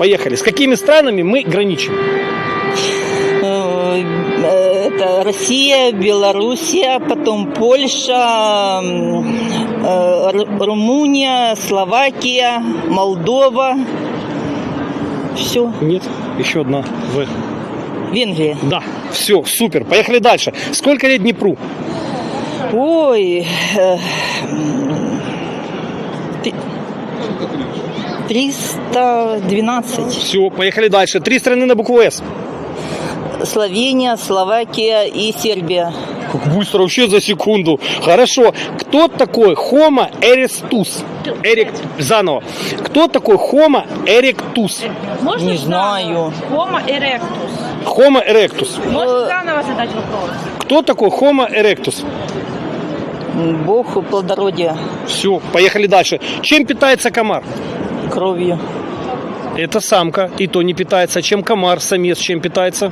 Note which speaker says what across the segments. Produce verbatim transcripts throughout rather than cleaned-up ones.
Speaker 1: Поехали. С какими странами мы граничим?
Speaker 2: Это Россия, Белоруссия, потом Польша, Румыния, Словакия, Молдова. Все.
Speaker 1: Нет, еще одна. В.
Speaker 2: Венгрия.
Speaker 1: Да, все, супер. Поехали дальше. Сколько лет Днепру?
Speaker 2: Ой. триста двенадцать.
Speaker 1: Все, поехали дальше. Три страны на букву С.
Speaker 2: Словения, Словакия и Сербия.
Speaker 1: Как быстро, вообще за секунду. Хорошо. Кто такой Homo erectus? Эрик... Заново. Кто такой Homo erectus?
Speaker 3: Можно
Speaker 2: Не
Speaker 3: заново?
Speaker 2: знаю.
Speaker 3: Homo erectus.
Speaker 1: Homo erectus.
Speaker 3: Можно заново задать вопрос?
Speaker 1: Кто такой Homo erectus?
Speaker 2: Бог плодородия.
Speaker 1: Все, поехали дальше. Чем питается комар?
Speaker 2: Кровью.
Speaker 1: Это самка, и то не питается. Чем комар, самец, чем питается?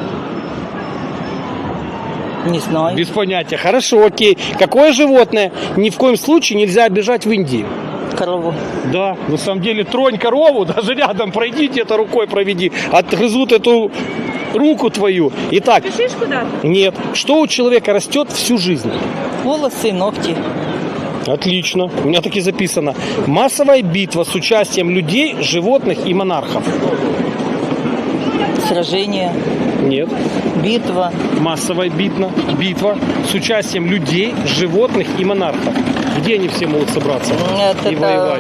Speaker 2: Не знаю.
Speaker 1: Без понятия. Хорошо, окей. Какое животное ни в коем случае нельзя обижать в Индии?
Speaker 2: Корову.
Speaker 1: Да, на самом деле тронь корову, даже рядом пройди, где-то рукой проведи. Отгрызут эту руку твою. Итак,
Speaker 3: Пишешь куда-то?
Speaker 1: нет. Что у человека растет всю жизнь?
Speaker 2: Волосы, ногти.
Speaker 1: Отлично. У меня так и записано. Массовая битва с участием людей, животных и монархов.
Speaker 2: Сражение.
Speaker 1: Нет.
Speaker 2: Битва.
Speaker 1: Массовая битва, битва с участием людей, животных и монархов. Где они все могут собраться
Speaker 2: Это,
Speaker 1: и воевать?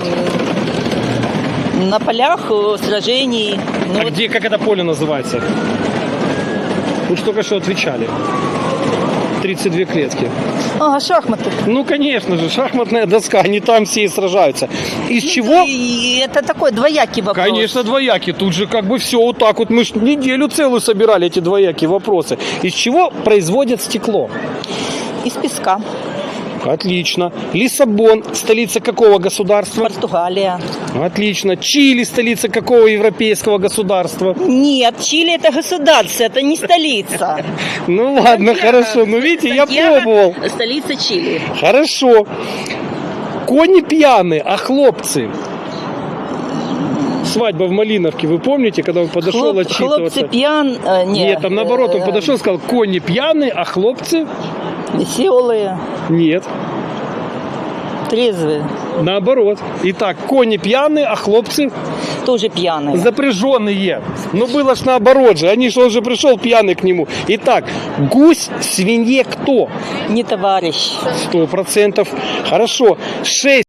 Speaker 2: На полях сражений. Ну,
Speaker 1: А
Speaker 2: вот
Speaker 1: где, как это поле называется? Вы же только что отвечали. тридцать две клетки.
Speaker 2: А, шахматы.
Speaker 1: Ну, конечно же, шахматная доска, они там все и сражаются. Из
Speaker 2: Ну,
Speaker 1: чего?
Speaker 2: и это такой двоякий вопрос.
Speaker 1: Конечно, двояки. Тут же как бы все вот так вот. Мы ж неделю целую собирали эти двоякие вопросы. Из чего производят стекло?
Speaker 2: Из песка.
Speaker 1: Отлично. Лиссабон, столица какого государства?
Speaker 2: Португалия.
Speaker 1: Отлично. Чили, столица какого европейского государства?
Speaker 2: Нет, Чили это государство, это не столица.
Speaker 1: Ну ладно, хорошо. Ну видите, я
Speaker 2: Сантьяго
Speaker 1: пробовал.
Speaker 2: — столица Чили.
Speaker 1: Хорошо. Кони пьяные, а хлопцы? Свадьба в Малиновке, вы помните, когда он подошел
Speaker 2: Хлоп-
Speaker 1: отчитываться?
Speaker 2: Хлопцы пьян... э, не,
Speaker 1: Нет, там наоборот, он
Speaker 2: э,
Speaker 1: подошел и сказал, кони пьяные, а хлопцы?
Speaker 2: Веселые,
Speaker 1: Нет,
Speaker 2: трезвые,
Speaker 1: наоборот. Итак, кони пьяные, а хлопцы
Speaker 2: тоже пьяные.
Speaker 1: запряженные. Ну было ж наоборот же, они же, он же пришел пьяный к нему. Итак, гусь, свинье кто?
Speaker 2: Не товарищ.
Speaker 1: Сто процентов. Хорошо. Шесть.